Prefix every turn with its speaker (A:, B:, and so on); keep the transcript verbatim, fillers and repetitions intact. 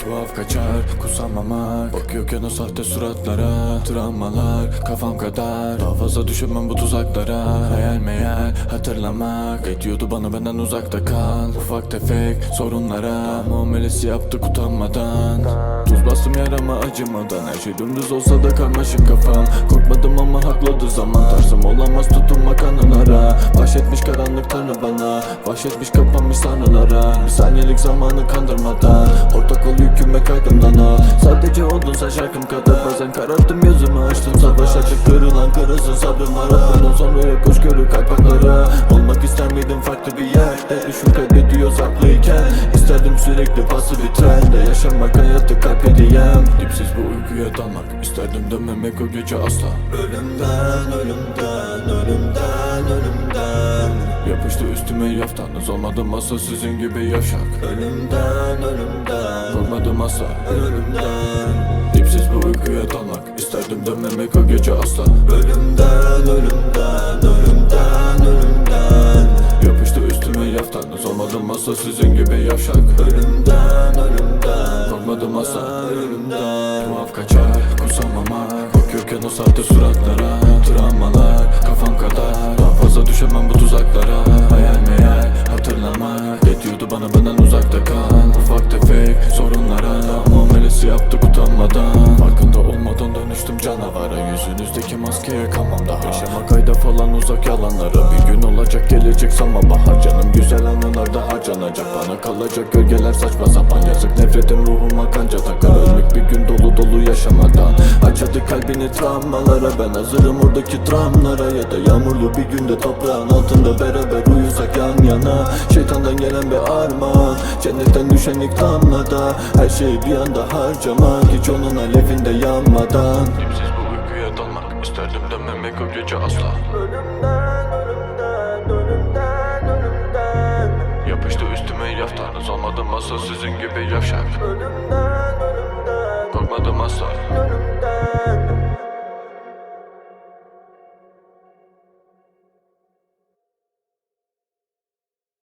A: Tuhaf kaçar kusamamak, bakıyorken o sahte suratlara. Travmalar kafam kadar, daha fazla düşünmem bu tuzaklara. Hayal meyal hatırlamak, ediyordu bana benden uzakta kal. Ufak tefek sorunlara muamelesi yaptık utanmadan. Tuz bastım yarama acımadan, her şey dümdüz olsa da karmaşık kafam. Korkmadım ama hakladı zaman, tarzım olamaz tutunmak anılara. Bahşetmiş karanlık tanrı bana, vahşetmiş kapanmış sanrılara. Bir saniyelik zamanı kandırmadan, ortak ol yüküme kaydım dana. Sadece oldunsa şarkım kadar, bazen kararttım gözümü açtım. Savaş açık kırılan kırılsın sabrım var. Bundan sonra yok hoşgörü kalpaklara. Olmak ister miydim farklı bir yerde, düşün kaybediyoruz haklıyken. İsterdim sürekli pasif bir trende, yaşamak hayatı kalp hediyem. Dipsiz bu uykuya dalmak, isterdim dönmemek o gece asla. Ölümden, ölümden, ölümden, ölümden yapıştı üstüme yaftanız, olmadım asla sizin gibi yavşak. Ölümden, ölümden korkmadım asla, ölümden. Dipsiz bu uykuya dalmak, isterdim dönmemek o gece asla. Ölümden, ölümden, ölümden, ölümden yapıştı üstüme yaftanız, olmadım asla sizin gibi yavşak. Ölümden, ölümden korkmadım asla, ölümden. Tuhaf kaçar kusamamak, bakıyorken o sahte suratlara. Travmalar kafam kadar, daha fazla düşemem bu tuzaklara. Hayal meyal hatırlamak, ediyordu bana benden uzakta kal. Ufak tefek sorunlara muamelesi yaptık utanmadan. Farkında olmadan dönüştüm canavara, yüzünüzdeki maskeye kalmam daha. Yaşamak ayda falan uzak yalanlara, bir gün olacak gelecek sanma bahar. Canım güzel anılarda harcanacak, bana kalacak gölgeler saçma sapan. Yazık nefretim ruhuma kanca takar, ölmek bir gün dolu dolu yaşamadan. Açadı kalbini travmalara, ben hazırım oradaki travmalara. Ya da yağmurlu bir günde toprağın altında beraber uyusak yan yana. Şeytandan gelen bir armağan, cennetten düşen ilk damlada. Her şeyi bir anda harcamak, hiç onun alevinde yanmadan. Dipsiz bu uykuya dalmak, isterdim dönmemek o gece asla.
B: Ölümden, ölümden, ölümden, ölümden
A: Yapıştı üstüme yaftanız, olmadım asla sizin gibi yavşak.
B: Ölümden, ölümden
A: Korkmadım asla.